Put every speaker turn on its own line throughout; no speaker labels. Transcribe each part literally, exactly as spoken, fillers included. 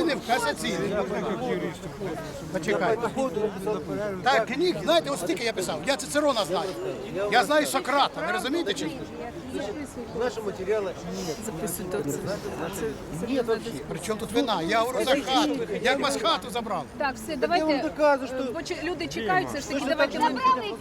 апеляційний в касаційний. Почекайте. Так, книг, знаєте, ось стільки я писав. Я Цицерона знаю. Я знаю Сократа, ви розумієте чи ні?
Наши материалы нет вообще.
Причому тут вина? Я говорю за хату. Як вас хату забрав?
Так, все,
Я вам
давайте.
доказываю, что...
Бо чи- люди чекають, все ж таки, давайте ми...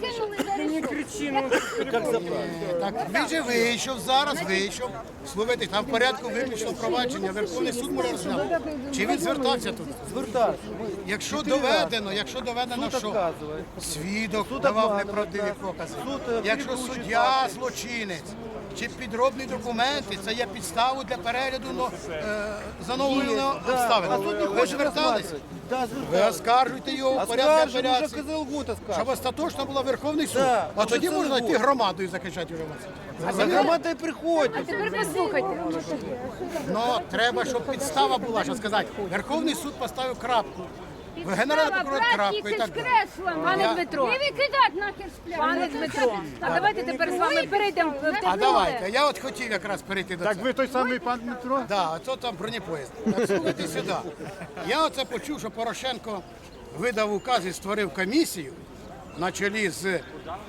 Как забрать?
Так, він же вийшов, зараз вийшов. Слухайте, там в порядку виключно провадження. Верховний суд може розглянути. Чи він звертався тут?
Звертаться.
Якщо доведено, якщо доведено,
Суд
що
отказывает.
свідок
Суд
давав
обманює,
неправдиві
так.
покази,
Суд, е,
якщо
перекручує
суддя
факти.
злочинець чи підробні документи, це є підставою для перегляду ну, е, за новою
Есть, да.
обставин.
А суд не
Ви
хочет
звертались?
рассматривать. Да,
Ви
звертались.
оскаржуйте його в порядку
Оскаржим, уже
апеляції,
Козел Гута
щоб
скажет.
остаточно була Верховний суд.
Да,
А
вже
тоді
цілий
можна йти
год.
громадою захищати вже вас.
А за громадой приходит.
А тепер послухайте.
Ну, треба, щоб підстава була, що сказати. Верховний суд поставив крапку. Генеральний прокурор крапку і так далі.
Пане
Я-
Дмитро,
Не викидати нахер з пляжу.
пане Дмитро, а давайте тепер з вами перейдемо в те
А
поле.
давайте, я от хотів якраз перейти до цього.
Так ви той самий пан Дмитро?
Да, а то там бронепоїзд. Так, слухайте сюди. Я оце почув, що Порошенко видав указ і створив комісію на чолі з е,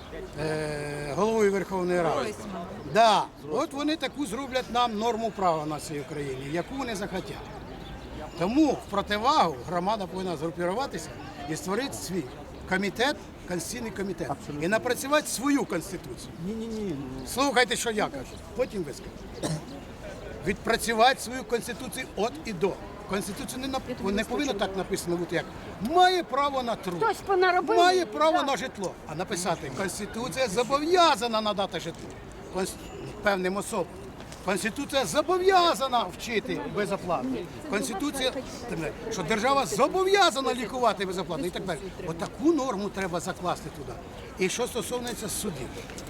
головою Верховної Ради. Да, от вони таку зроблять нам норму права на цій Україні, яку вони захотять. Тому в противагу громада повинна згрупуватися і створити свій комітет, конституційний комітет, і напрацювати свою конституцію.
Не-не-не.
Слухайте, що я кажу, потім ви скажете. Відпрацювати свою конституцію от і до. Конституція не, нап- не повинна так написано бути, як має право на труд,
Хтось понаробив.
має право на житло. А написати, Конституція зобов'язана надати житло Конс- певним особам. Конституція зобов'язана вчити безоплатно. Конституція, що держава зобов'язана лікувати безоплатно і так далі. Отаку норму треба закласти туди. І що стосується судів,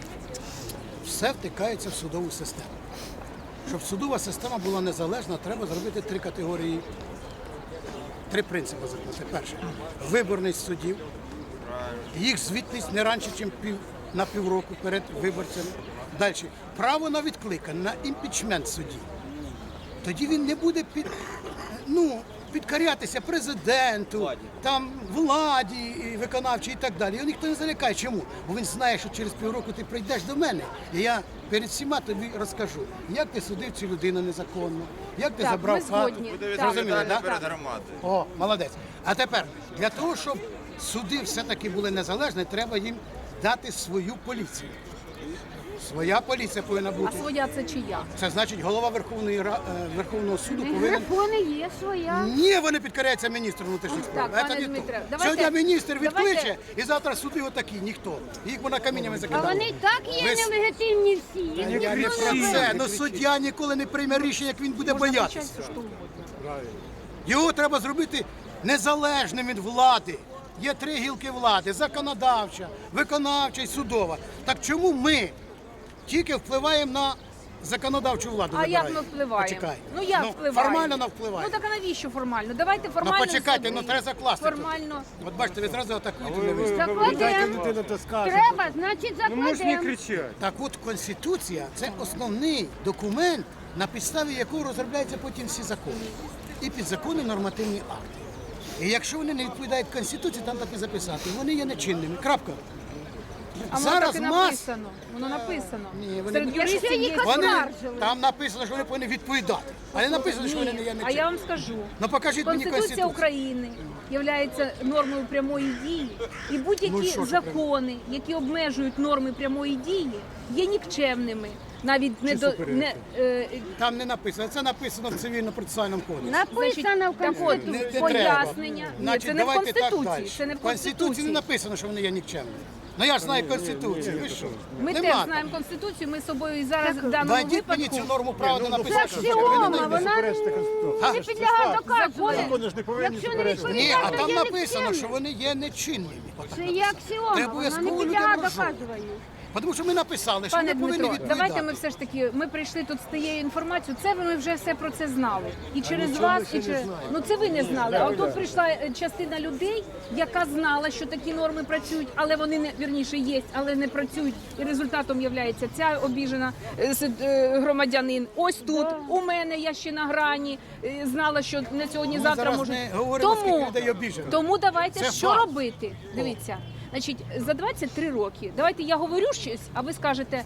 все втикається в судову систему. Щоб судова система була незалежна, треба зробити три категорії, три принципи закласти. Перше – виборність суддів, їх звітність не раніше, ніж пів, на півроку перед виборцями. Далі – право на відкликання, на імпічмент судді. Тоді він не буде під, ну, підкорятися президенту, там, владі і виконавчій і так далі. Його ніхто не залякає. Чому? Бо він знає, що через півроку ти прийдеш до мене, і я перед всіма тобі розкажу, як ти судив цю людину незаконно, як ти
Так,
забрав
ми
хату.
згодні.
Буде
Так.
Зрозуміли,
відповідальний
да?
перед громадою.
О, молодець. А тепер, для того, щоб суди все-таки були незалежні, треба їм дати свою поліцію. Своя поліція повинна
А
бути.
своя це чия?
Це значить, голова Верховної Ра- е, Верховного суду повинен.
Грифони є своя.
Ні, вони підкоряються міністру внутрішніх справ.
Так, пане
Це не то.
Дмитре, давайте-
Сьогодні міністр відкличе,
давайте-
і завтра суди отакі, ніхто. Їх вона каміннями
А
закидали.
вони і так є
Ви с-
нелегітимні всі. Їх
Я
ніхто
не
не
про
бив.
це, але суддя ніколи не прийме рішення, як він буде боятися. Його треба зробити незалежним від влади. Є три гілки влади: законодавча, виконавча і судова. Так чому ми тільки впливаємо на законодавчу владу?
А як
вибираємо?
ми впливаємо?
Почекай.
Ну як
Ну,
впливаємо?
Формально не впливає.
Ну так а навіщо формально? Давайте формально.
Ну почекайте,
собі.
ну треба закласти. тут.
Формально.
От бачите, ви зразу атакуєте.
Ви,
не
ви,
ви.
ви, ви дайте
Закладемо.
людину то скаже.
Треба, значить
Ну можеш не
закладемо.
кричати.
Так от Конституція – це основний документ, на підставі якого розробляються потім всі закони. І підзаконні нормативні акти. І якщо вони не відповідають Конституції, там так і записати. Вони є нечинними. Крапка.
А воно так і написано. Воно написано.
Ні, вони
Серед
не-
юристів
Якщо
є.
їх
Вони,
Оскаржили.
там написано, що вони повинні відповідати. А не написано, що вони не є
Ні, а я
нечинними.
вам скажу.
Ну покажіть мені
Конституція
Конституцію.
України є нормою прямої дії, і будь-які
Ну, що ж
закони, які обмежують норми прямої дії, є нікчемними. Навіть не до не е,
Там не написано. Це написано в цивільно-процесуальному кодексі.
Написано в
так от,
Конституції.
Не- не
пояснення. Ні,
Значить,
це не в
давайте так
Конституції.
далі.
Це не в
В Конституції не
Конституції.
написано, що вони є нікчемними. Ну я ж знаю Конституцію. Ви що?
Ми
Нема
теж
там.
знаємо Конституцію, ми з собою і зараз в даному
Дадіть мені
випадку.
цю норму права, де
Це
написано, що
аксіома,
ви не
вона
суперечите Конституції.
не підлягає доказуванню.
Закони ж не повинні
Якщо не
суперечити.
Ні, а
відповідає,
там
то є
написано, що
нікчемним.
вони є нечинними. Отак
Це
написано.
є аксіома,
Треба
вона не
обов'язково
підлягає
людям розжовувати.
доказуванню.
Тому що ми написали, що
Пане
ми повинні
Дмитро,
відповідати.
давайте ми все ж таки, ми прийшли тут з тією інформацією, це ми вже все про це знали. І через
нічого ми
вас,
ще
і
не
через...
знаємо.
Ну це ви не знали. А тут прийшла е, частина людей, яка знала, що такі норми працюють, але вони не, вірніше, є, але не працюють. І результатом є ця обіжена е, с- е, громадянин. Ось тут, у мене, я ще на грані, е, знала, що не сьогодні,
Ми
завтра
зараз
може.
не говоримо, скільки
Тому,
людей обіжено.
тому давайте
Це
що
факт.
робити? Дивіться. Значить, за двадцять три роки, давайте я говорю щось, а ви скажете,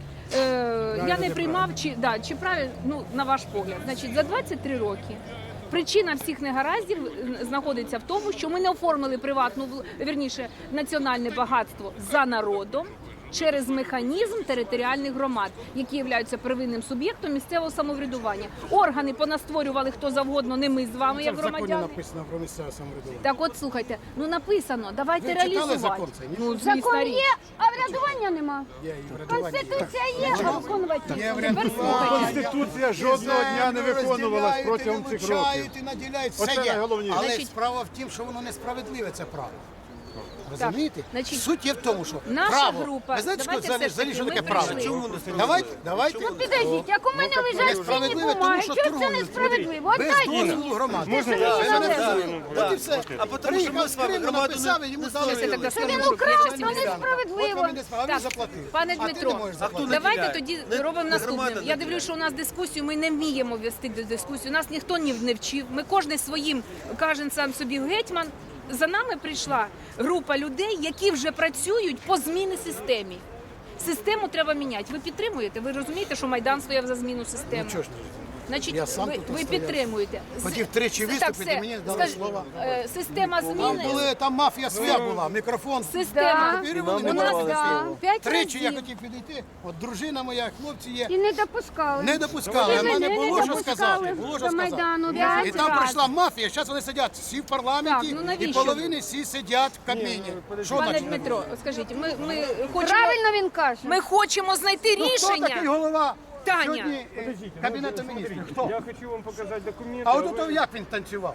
е, я не приймав, чи, да, чи правильно, ну, на ваш погляд. Значить, за двадцять три роки причина всіх негараздів е, знаходиться в тому, що ми не оформили приватну, вл- вірніше, національне багатство за народом через механізм територіальних громад, які являються первинним суб'єктом місцевого самоврядування. Органи понастворювали хто завгодно, не ми з вами,
Це
як
в законі
громадяни.
написано про місцеве самоврядування.
Так от, слухайте, ну написано, давайте
Ви читали
реалізувати.
закон цей, ні?
Ну, звісно,
Закон
річ.
є, а врядування нема.
Є і врядування.
Конституція є, а виконувати.
Є
Тепер
врядування.
слухайте.
Конституція жодного дня не виконувалась протягом цих років.
Вилучають і наділяють, все
Оце
є.
найголовніше.
Але
Значить-
справа в тім, що воно несправедливе, це право. Розумієте?
значить,
Суть є в тому, що
наша
право.
група-
Ви знаєте, що
давайте
взагалі,
все ж таки,
взагалі, що
ми
таке право?
прийшли.
Чому не
Давайте, давайте.
Ну підождіть, як у мене лежать цінні
Несправедливе, тому
бумаги,
що
що це
торгують.
несправедливо?
Без
Отдайте
дозволу
мені.
громади.
Можна
Це
я?
не
Я
належить.
Да.
От і все.
А потому що
Приїхав
ми
з
з вами
Криму,
громаду
написав,
не-
і йому
не
дали.
створили.
Давайте
Що
так
він
скажу,
украв,
я
то
щас не знаю.
несправедливо.
От вам і не справ- а він
Так,
заплатив.
пане
А ти
Дмитро,
не можеш
А хто
заплатити.
давайте
наділяє?
тоді
Не-
робимо
не
наступним.
громада
Я
наділяє.
дивлюся, що у нас дискусію, ми не вміємо вести до дискусію. Нас ніхто ні не вчив. Ми кожен своїм, кожен сам собі гетьман. За нами прийшла група людей, які вже працюють по зміни системі. Систему треба міняти. Ви підтримуєте? Ви розумієте, що Майдан стояв за зміну системи?
Ну, чого ж ні?
Значить,
Я сам
ви,
тут
ви
стояв.
підтримуєте.
Хотів тричі
Так,
виступити,
все.
мені дали
Скажи,
слова.
е, Система
Там
зміни.
були, там мафія своя була, мікрофон.
Система.
Тепер
І
вони
нам
У
не
нас
давали
давали
да,
слова.
п'ять
Тричі я
разів.
хотів підійти, от дружина моя, хлопці є.
І не допускали.
Не допускали, а в мене
Не
було що
допускали
сказати. Було що
до Майдану,
сказати.
да.
І там
Раз.
прийшла мафія, зараз вони сидять всі в парламенті,
Так, ну
і
навіщо?
половини всі сидять в Кабміні. Що
Пане
значить?
Дмитро, скажіть, ми, ми хочемо.
Правильно він каже.
Ми хочемо знайти
Ну, хто такий
рішення.
голова
Таня.
сьогодні е, Кабінету міністрів? Хто?
Я хочу вам показати документи.
А
а
от
ви-
ото як він танцював?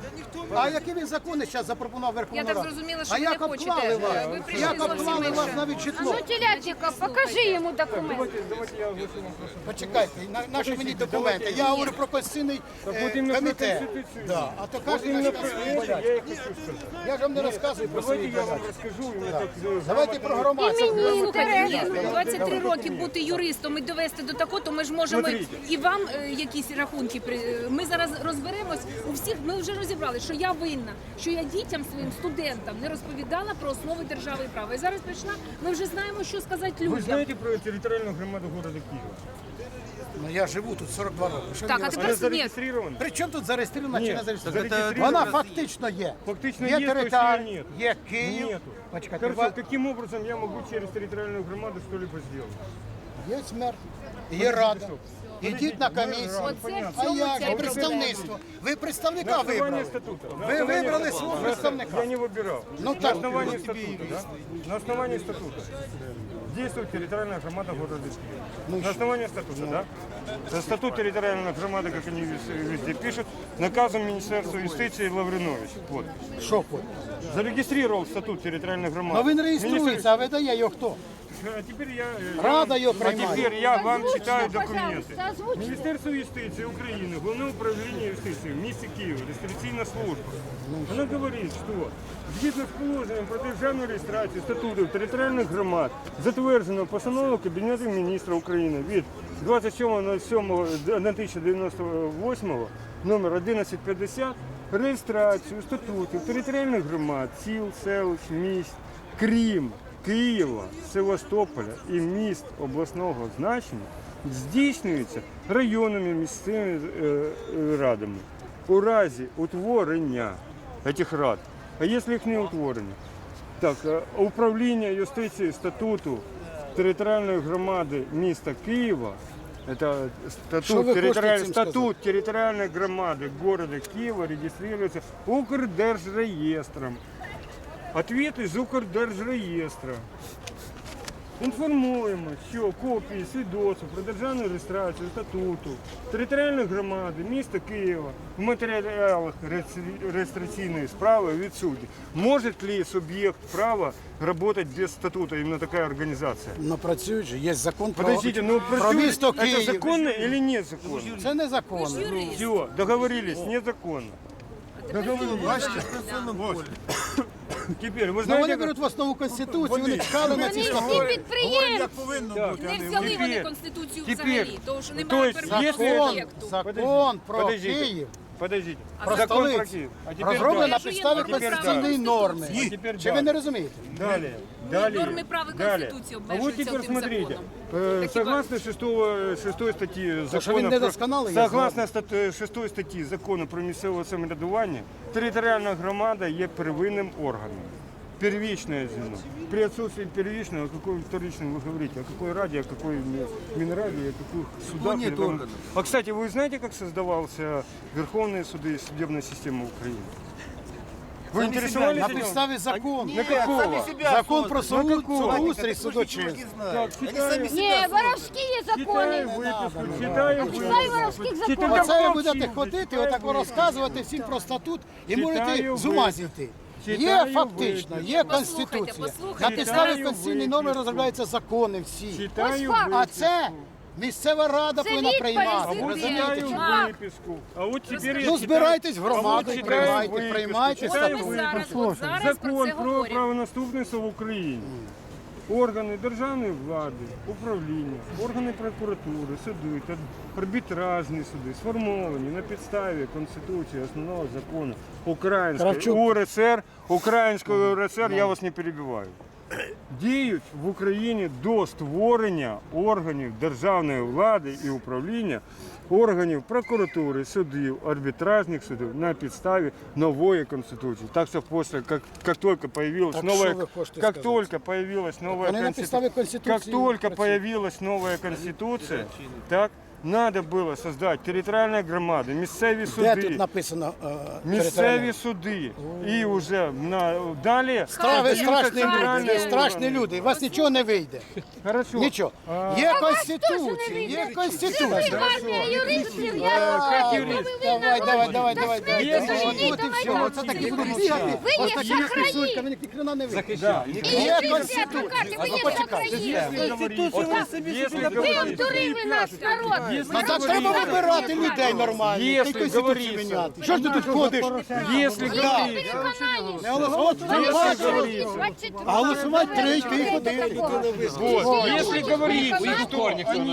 А які він закони зараз запропонував Верховна
Я так
Рада?
зрозуміла, що
А
ви
як
не хочете.
обклали вас?
Ви прийшли
Як
зовсім
обклали вас
інше.
навіть
А
житло?
ну, телятника, покажи йому документ.
Давайте, давайте я оголошу вам просто.
Почекайте, на, наші мені документи. Я говорю про Конституційний е,
от іменно про
комітет.
Конституцію.
Да. А то
От
кожен
іменно
наш
про
свої
це
бояться.
я і хочу сказати.
Я ж вам не розказую про
Давайте
свої
я вам
бояться.
розкажу, і ми так е,
Давайте про громадське.
І мені
Слухайте, ні,
інтересно.
ну, двадцять три роки бути юристом і довести до такого, то ми ж можемо
Смотрите.
і вам е, якісь рахунки. при- Ми зараз розберемось у всіх. Ми вже розібрали, що я винна, що я дітям своїм студентам не розповідала про основи держави і права. І зараз прийшла. Ми вже знаємо, що сказати
Ви
людям.
знаєте про територіальну громаду города Києва?
Ну я живу тут сорок два роки. Що
Так,
мені
а тепер
Вона
розказувати?
ні.
зареєстрована?
При чому тут зареєстрована чи
Ні,
не зареєстрована?
зареєстрована.
Вона фактично є.
Фактично
є
є, то
територія,
есть нет.
є Київ.
Нету.
Почекайте,
Хорошо,
ва-
каким образом я могу через территориальную громаду что-либо сделать?
є смерть, є рада. Ідіть на комісію.
Оце в
А
цьому
як
ця
же
й
представництво? Ви представника
На основании
вибрали.
статута. На
Ви
основании-
вибрали свого
Я
представника.
не выбирал.
Ну
На
так,
основании
вот тебе и
статута, да? На основании статута. Действует территориальная громада города
Ну
Киева. На основании статута, да? Статут территориальной громады, как они вез- везде пишут, наказом Министерства юстиции Лавринович. Вот.
Що хоч?
Зарегистрировал статут территориальной громады.
Ну він
Министр-
реєструється, а видає його хто?
А теперь я, э,
Рада його
а
приймає.
теперь я вам
Озвучте,
читаю
пожалуйста,
документы.
озвучте.
Міністерство юстиції України, Головне управління юстиції в місті Києва, реєстраційна служба. Вона говорить, що згідно з положенням про державну реєстрацію статутів територіальних громад затверджено постанову Кабінету міністрів України від двадцять сьомого сьомого тисяча дев'яносто восьмого номер одинадцять п'ятдесят реєстрацію статутів територіальних громад, сіл, селищ, міст, крім Києва, Севастополя і міст обласного значення здійснюється районними місцевими е, е, радами у разі утворення цих рад. А якщо їх не утворення? Так, е, управління юстиції статуту територіальної громади міста Києва, це
Що ви
статут,
хочете
територіаль...
цим
статут територіальної громади города Києва реєструється Укрдержреєстром. Ответ из Укрдержреєстра. Інформуємо, що копії свідоцтв про державну реєстрацію статуту територіальної громади міста Києва в матеріалах реєстр- реєстраційної справи відсутні. Може ли суб'єкт права працювати без статуту, іменно така організація?
Ну працюють же, є закон про,
Подождите, ну
про
працює-
місто
это
Київ.
законно или незаконно?
Це незаконно.
Все, договорились, незаконно. Договорились. Теперь, вы
Ну, вони
знаете,
беруть в основу Конституцію, вони чекали на ці
Вони
статути.
всі підприємці.
Не взяли вони
Тепер-
Конституцію
тепер-
взагалі, тому що
то
немає
есть,
первинного
если-
об'єкту.
Закон про
Подождите.
Київ
подождите,
про
закон про
столицю
Киев. А теперь
розроблений на
дальше.
підставі
А тепер
конституційної
далі.
норми.
А тепер
Чи ви
далі.
не розумієте?
Далее, далее,
Нормы права и
далее.
Конституции
А вот
обмеживаются
теперь
этим
смотрите,
законом.
э,
Так и
согласно шестого, шестой статьи
То, що він
закона,
не
про-
досконалий, я
согласно стат- шестої статті закону про місцеве самоврядування, територіальна громада є первинним органом. Первичное звено. При отсутствии первичного, о какой вторичном вы говорите, о какой раде, о какой ми- минерале, о каких судах.
нет
или там-
органов.
А, кстати, вы знаете, как создавался Верховные суды и судебная система Украины? Вы интересовались
На
этим?
підставі закону.
На какого?
Закон про суд,
какого?
судоустрій, судочинство.
Так, читаю,
Ні, воровські є
читаю
закони.
выписку, читаю
Читай
выписку.
воровських
Читаю.
законів.
Оце ви
Мовчіть,
будете ходити,
читаю
отак
виписку.
розказувати всім про статут і
Читаю
можете з ума
виписку.
зійти. Є
Читаю
фактично,
виписку.
є
Послухайте,
конституція.
послухайте.
На підставі
Читаю
конституційної норми
виписку.
розробляються закони всі.
Читаю
Ось факт.
А
выписку.
це місцева рада
Це
повинна
відповідь.
приймати.
А вот
Розумієте?
читаю
Марк.
выписку. А вот теперь я
Ну
читаю-
збирайтесь в
А вот
громаду і
читаю
приймайте,
виписку,
приймайте
читаю
От ми
статут.
зараз, от зараз про
Закон
це
про
говоримо.
правонаступництво в Україні. Органи державної влади, управління, органи прокуратури, суди та арбітражні суди сформовані на підставі Конституції, основного закону Української
Кравчук.
УРСР, Української УРСР, я вас не перебиваю. Діють в Україні до створення органів державної влади і управління, органів прокуратури, судів, арбітражних судів на підставі нової Конституції. Так що після, як, як тільки появилась
Так
новая,
що ви хочете
как
сказати?
только появилась новая
Вони на підставі
Конституция, как
Конституції
только
працюють.
появилась новая Конституция, так, надо было создать территориальные громады, місцеві
Де
суди,
тут написано е,
місцеві
територіальне?
суди. І вже на, далі...
Стра- Ви
создаються
страшні люди,
центральні
ви страшні
органи.
люди, у вас нічого не вийде.
Хорошо.
Нічого.
А,
Є конституція, є конституція.
Армія юристів,
А,
я
юрист.
Давай, давай, давай, давай. давай.
Є
От
закони.
от і все. Оце такі будуть бігати.
Ви є
Ось такі
шахраї.
писулька, ви ні хрена не вийде.
Да.
Є
ви
конституція.
ви є
Почекайте.
шахраї.
Если
Ви
говорить,
обдурили наш народ.
Ну так треба вибирати людей нормально,
Якщо
ти конституцію
говориться.
міняти. Що ж ти тут ходиш?
если говорить,
Не голосувати, ти бачиш. А голосувати три, ти ходи.
вот, если говорить, что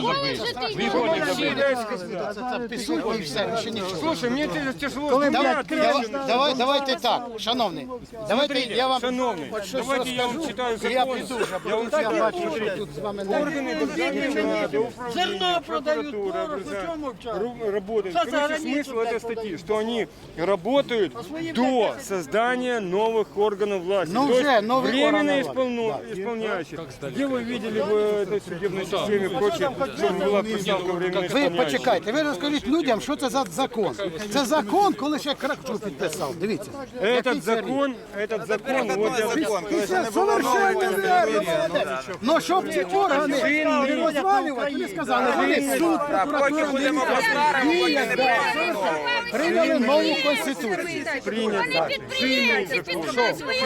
Це писулька і все, ще нічого.
Слушай, мне тя- тяжело
Давай,
думать.
давай, давай, давайте так, шановний, давайте я вам
шановний,
от щось
давайте я вам
розкажу,
читаю
і я
закон.
піду вже,
Я вам
бо тут я
читаю
бачу, що
закон.
тут з вами не
Органы державной власти, управления, прокуратура, ру- работают. Короче, смысл этой статьи, что они работают до создания новых органов власти.
Ну,
То
уже
есть
новые
временно
органы
исполну- исполняющие. Где вы видели в этой судебной системе прочее, чтобы была приставка временно
Ви
исполняющая?
почекайте, ви розкажіть людям, що це за закон. Це закон, коли ще Кравчук підписав. Дивіться. Який
Этот
це рік.
закон, этот закон, вот я
Це совершенно вірно. Ну, щоб ці органи не розвалювати, вони сказали, вони суд, прокуратура, діють, прийняли нову конституцію.
Вони підприємці, підкупають свої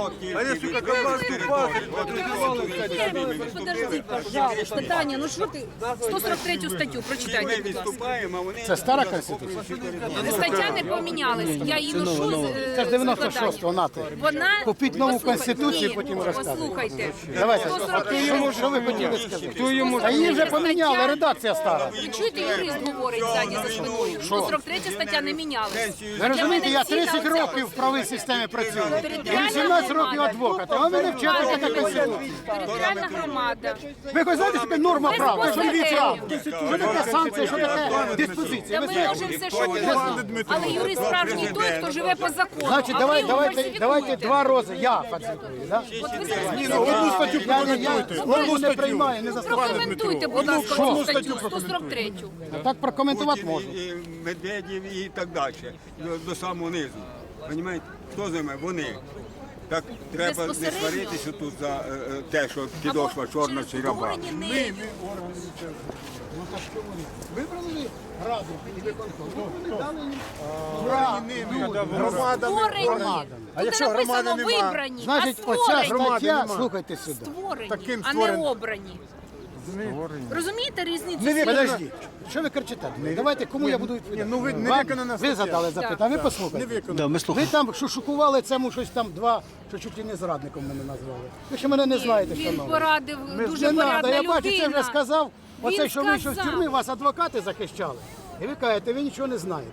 Подожди, пожалуйста, Таня, ну що ти? сто сорок третю статтю прочитайте, будь ласка.
Це стара конституція.
Стаття не помінялась. Я її ношу з е,
Це ж дев'яносто
складання.
шостого, нати.
Вона
Купіть нову
Послухайте,
конституцію,
ні,
потім розказуйте.
Послухайте.
Давайте,
сто
а
сорок
хто
третя
йому, що ви хотіли сказати?
Хто йому
А її вже
стаття-
поміняли, редакція стара.
Ви чуєте, юрист говорить ззаді за спиною. сто сорок третя стаття не мінялась.
Ви розумієте, я
Для мене
тридцять
ціла
років в правовій системі працюю. І
Територіальна
вісімнадцять років
громада.
адвокат, а ви мене вчите
Територіальна
така конституція.
Територіальна громада.
Ви хоч знаєте, що таке норма права? Що таке право?
Безпосередньо.
Що таке санкція, що таке диспозиція?
Та
Ви
ми
знаєте?
можемо все, що угодно. Але юрист справжній той, хто живе по закону.
Значить,
А
давай,
ви
давайте,
фальсифікуєте.
давайте два рази. Я фальсифікую, да?
От ви зараз
Ні, ну, одну статтю прокоментуйте. Одну не приймаю, не заставляю.
Прокоментуйте, будь ласка, цю статтю сто сорок третю.
Так прокоментувати можу.
І Медведєв і так далі, до, до самого низу. Понімаєте? Хто з ними? Вони. Так треба не
Безпосередньо.
сваритися тут за е, е, те, що підошва
Або
чорна
через
чи раба.
утворення нею.
Ну так що вони? Вибрали раду і виконком. Ну, вони дали їм право.
Створені.
А
Тут
якщо
не написано
громади нема?
вибрані,
Значить,
а
оця
створені.
стаття, слухайте сюди.
Створені,
Таким
а не
створені.
обрані. Розумієте різницю?
Подождіть, що ви кричите? Давайте, кому я буду відповідати?
ну ви не
Вам-
виконана
Ви
стаття.
задали запитання, ви послухайте. Ви там шушукували цьому щось там два, що чуть ли не зрадником мене назвали. Ви ще мене не знаєте,
Він
шановні.
порадив дуже
Не треба,
порядна
я бачу, це
людина.
вже сказав. Оце,
Він
що ви що в
сказав.
тюрмі вас адвокати захищали. І ви кажете, ви нічого не знаєте.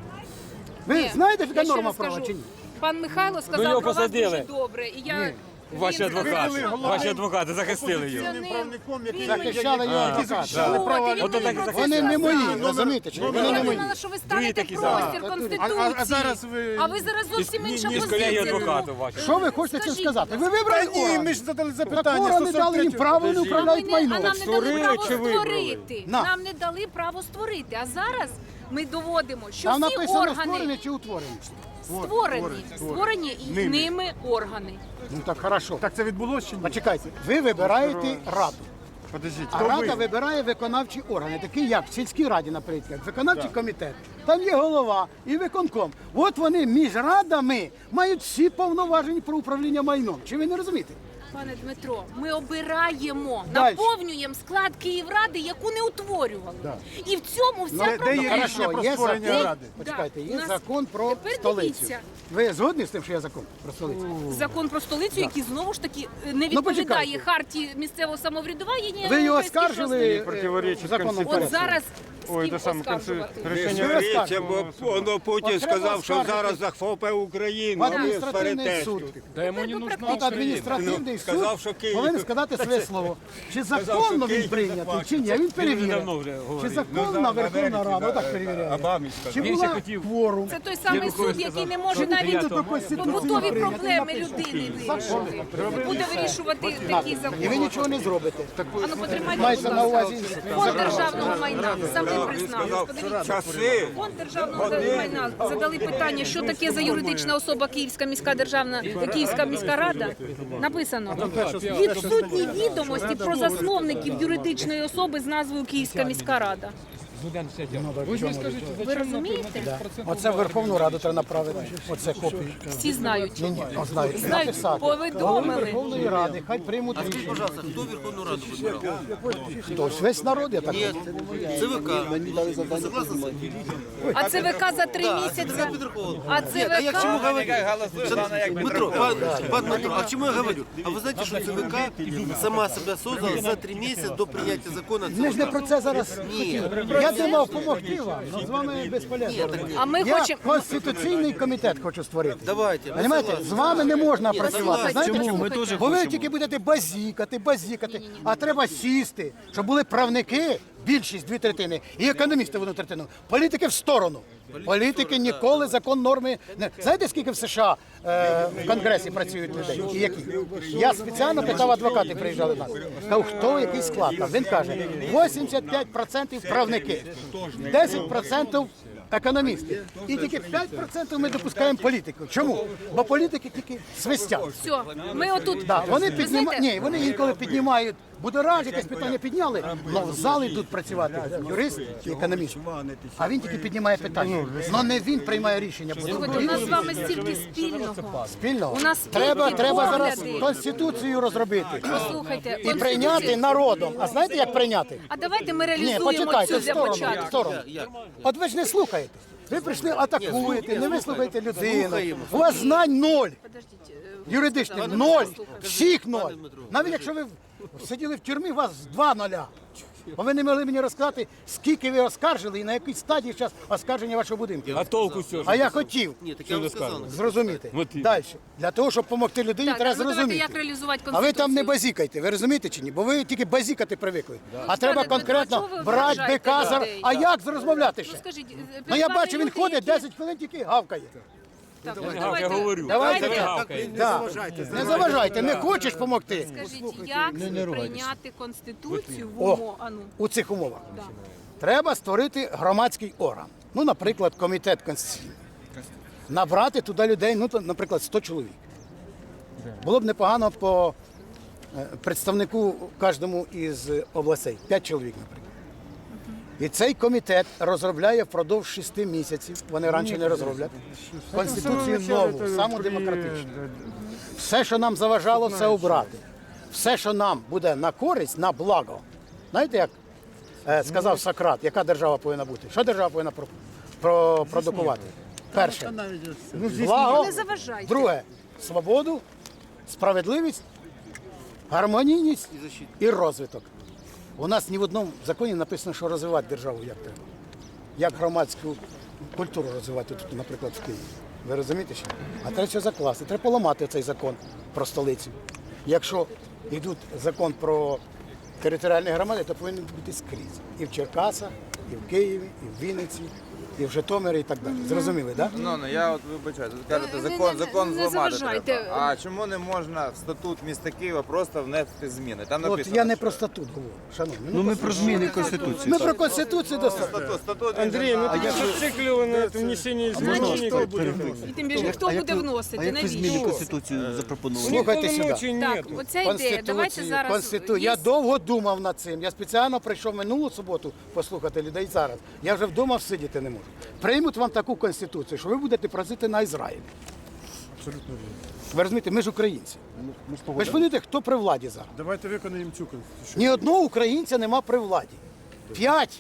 Ви
Ні,
знаєте,
я
яка
ще
норма
раз
права
скажу.
чи ні?
Пан Михайло сказав
його
про вас
посадили.
дуже добре. І я...
Ваші
він сказав,
адвокати,
що-
ваші адвокати захистили його.
Це не-
правником, який
він
Захищали
мені-
його
От,
адвокати.
і він
Ото
мені
так
про це
захистили.
Вони не мої,
сказав.
розумієте? Чи ні? Вони
Я
не мої.
думала, що ви
Другі
станете
такі
простір
самі.
Конституції.
А- а- а зараз ви-
А ви зараз зовсім інша
Із
позиція.
колеги
тому,
адвокатів ваших.
Що ви хочете цим
Скажіть,
сказати? Ви
Та
вибрали
ні,
орган.
ми ж задали
Так
запитання.
орган не дали їм право, вони
А ми
управляють
не-
майно.
а нам не
Створили
дали право
чи вибрали?
створити.
На.
Нам не дали право створити. А зараз ми доводимо, що
Там
всі
написано
органи
створені чи утворені.
створені, створені і ними органи.
Ну так хорошо.
Так це відбулося чи ні?
Почекайте, ви вибираєте раду.
Подождіть,
А
хто
рада
ви?
вибирає виконавчі органи, такі як в сільській раді, наприклад, виконавчий комітет. Там є голова і виконком. От вони між радами мають всі повноваження про управління майном. Чи ви не розумієте?
Пане Дмитро, ми обираємо,
Дальше.
наповнюємо склад Київради, яку не утворювали. І в цьому вся
Ну, де
проблема.
є
Хорошо,
рішення про
є
створення
закон.
ради?
Почекайте,
Да,
є
у нас-
закон про
Тепер
столицю.
дивіться.
Ви згодні з тим, що є закон про столицю?
Закон про столицю, який знову ж таки е, не
Ну,
відповідає
почекайте.
хартії місцевого самоврядування. ні
Ви його
Європейській
оскаржили
шостій.
Противоречить
е, законом
Конституції.
От зараз з
Ой,
ким
це саме
оскаржувати?
Не
рішення.
сваріться, бо воно Путін
От треба
сказав, що
оскаржити.
зараз захопить Україну, а ви
Адміністративний
сваритесь.
суд.
Да йому не нужна
Тут адміністративний суд
Сказав, що Київ-
повинен сказати своє слово. Чи
що
законно він
Київ
прийнятий,
бачить.
чи ні? Він
Він
перевіряє.
давно вже
Чи
говорив.
законна Верховна Рада, отак перевіряє.
Обамі
Чи
сказав.
була
хотів-
кворум?
Це той самий суд, який не може навіть побутові проблеми людини вирішити. Буде вирішувати такі
І ви
закони.
нічого не зробите.
А ну потримайте,
Мається
будь
на
ласка.
увазі.
Фонд державного майна саме признав.
Сказав,
Подивіться.
часи.
Фонд державного майна задали питання, що таке за юридична особа Київська міська державна Київська міська рада. Написано відсутні відомості про засновників юридичної особи з назвою Київська міська рада. Ви розумієте?
Оце в Верховну Раду треба направити. Оце копію.
Всі знають.
Ні, ні, о, знають.
Знають,
Написати.
повідомили.
Верховної Ради, хай приймуть рішення.
Пожалуйста, кто Верховную Раду выбирал?
Хтось, весь народ, я так
Нет,
думаю.
ЦВК. Вы согласны с этим?
А ЦВК за три
Да,
місяці.
ЦВК Верховный.
А
Нет, а я к чему
ЦВК
говорю? Дмитро, пан, пан Дмитро, а к чему я говорю? А вы знаете, что ЦВК сама себя создала за три месяца до принятия закона
Ми ж не
ЦВК?
про це зараз хотіли. Я думав допомогти вам, але з вами безполезно.
А ми
Я
хочемо.
конституційний комітет хочу створити.
Давайте, ми
Понимаєте,
согласні.
з вами не можна працювати.
послухайте,
Знаєте
чому?
чому?
Ми теж
Бо ви тільки будете базікати, базікати, а треба сісти, щоб були правники, більшість, дві третини, і економісти в одну третину. Політики в сторону. Політики ніколи закон норми не знаєте, скільки в США е, в Конгресі працюють людей? І які? Я спеціально питав, адвокати приїжджали до нас. Кажу, хто який склад? А він каже, вісімдесят п'ять відсотків правники, десять відсотків економісти. І тільки п'ять відсотків ми допускаємо політику. Чому? Бо політики тільки свистять.
Все, ми отут.
Да, вони
Ви
піднімають,
знаєте,
ні, вони інколи піднімають, будораж, якесь питання підняли, але в зал йдуть працювати юрист і економіст. А він тільки піднімає питання. Але не він приймає рішення. бо
Слухайте, у нас з вами стільки спільного.
Спільно.
У нас
Треба,
спільні
треба зараз
погляди.
конституцію розробити
Послухайте,
і прийняти
Конституцію.
народом. А знаєте, як прийняти?
А давайте ми
Ні,
реалізуємо
почекайте,
цю
в
для
сторону, в
початку.
сторону. От ви ж не слухаєте. Ви прийшли, атакуєте, не вислухаєте людину. У вас знань ноль.
Подождіть, е,
Юридичних ноль, всіх ноль. Навіть якщо ви сиділи в тюрмі, у вас два ноля. Бо ви не могли мені розказати, скільки ви оскаржили і на якій стадії зараз оскарження вашого будинку.
А толку все.
А я хотів
Нет, так я вам сказал.
зрозуміти.
Мотив.
Далі. Для того, щоб допомогти людині,
Так,
треба
ну давайте
зрозуміти.
як реалізувати
А ви там не
Конституцію.
базікайте, ви розумієте чи ні? Бо ви тільки базікати привикли. А треба
Дмитро,
конкретно
чого ви
брати
вражаєте
бика за...
людей?
А як розмовляти
Ну
ще?
скажіть, е,
Ну
перед
я
вами
бачу, він
люди,
ходить
які-
десять хвилин тільки гавкає.
Так, ну,
Я
давайте,
говорю.
Давайте.
Це ви гавкаєте.
Да. Не заважайте, не хочеш допомогти
Скажіть, як прийняти Конституцію в
О.
умовах? А ну,
у цих умовах.
да.
Треба створити громадський орган. Ну, наприклад, комітет конституційний. Набрати туди людей, ну, то, наприклад, сто чоловік. Було б непогано по е, представнику кожному із областей, п'ять чоловік, наприклад. І цей комітет розробляє впродовж шести місяців, вони раніше не розроблять, Конституцію нову, саму демократичну. Все, що нам заважало, все обрати. Все, що нам буде на користь, на благо. Знаєте, як е, сказав Сократ, яка держава повинна бути? Що держава повинна про, про, продукувати? Перше, благо,
Не заважайте.
друге, свободу, справедливість, гармонійність і розвиток. У нас ні в одному законі написано, що розвивати державу як треба. Як громадську культуру розвивати тут, наприклад, в Києві. Ви розумієте що? А треба все закласти. Треба поламати цей закон про столицю. Якщо йдуть закон про територіальні громади, то повинен бути скрізь. І в Черкасах, і в Києві, і в Вінниці, і в Житомирі, і так далі. Зрозуміли, так? Да?
Ну, ну я от вибачаю, тут кажете,
Не-
закон,
не-
закон
не
зламати
заважайте.
треба. А чому не можна в статут міста Києва просто внести зміни? Там
От
написано,
я не
що-
про статут говорю, шановні.
Ну ми про зміни Конституції.
Ми про Конституцію достатньо.
Статут, статут,
Андрей, ну
а
ты
я-
зациклил на этом внесении изменений.
Хто буде вносити? І тим більше, хто буде
А
вносити,
як ви зміни
навіщо?
Конституцію запропонували?
Слухайте сюди.
Полномочий
Так,
нет.
оця ідея, давайте зараз...
Конститу...
є-
Я довго думав над цим. Я спеціально прийшов минулу суботу послухати людей зараз. Я вже вдома сидіти не можу. Приймуть вам таку конституцію, що ви будете просити на Ізраїль.
Абсолютно вірно.
Ви розумієте, ми ж українці.
Ми ж
Ви ж
погодили.
розумієте, хто при владі зараз?
Давайте виконаємо цю конституцію.
Ні одного українця нема при владі. П'ять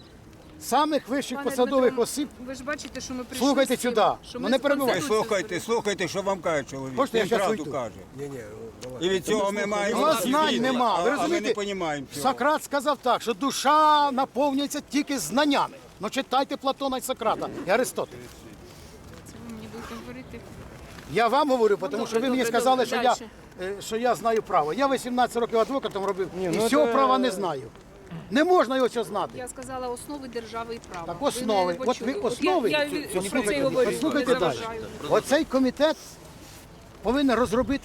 самих вищих
Пане
посадових
Дмитро,
осіб.
Ви ж бачите, що ми прийшли
Слухайте
з цим,
сюди.
що
Ну,
ми
не
з
перебивайте.
Ви
Конституцією
слухайте, слухайте, що вам каже чоловік.
Можете, я
Він
щас
правду
уйду?
каже. І від цього ми маємо...
У вас знань нема. Ви
А ми не
розумієте,
розуміємо цього.
Сократ сказав так, що душа наповнюється тільки знаннями. Ну читайте Платона і Сократа і Аристотеля.
Ви мені будете говорити.
Я вам говорю, тому що ви
добре,
мені
добре,
сказали, що я,
дальше.
е, що я знаю право. Я вісімнадцять років адвокатом робив і
ну
цього
це-
права не знаю. Не можна його цього знати.
Я сказала основи держави і права.
Так
Ви
основи.
не
От
почули.
ви
От
основи.
Я, я,
Послухайте,
про це й говорю.
послухайте
не
далі.
заважаю.
Оцей комітет повинен розробити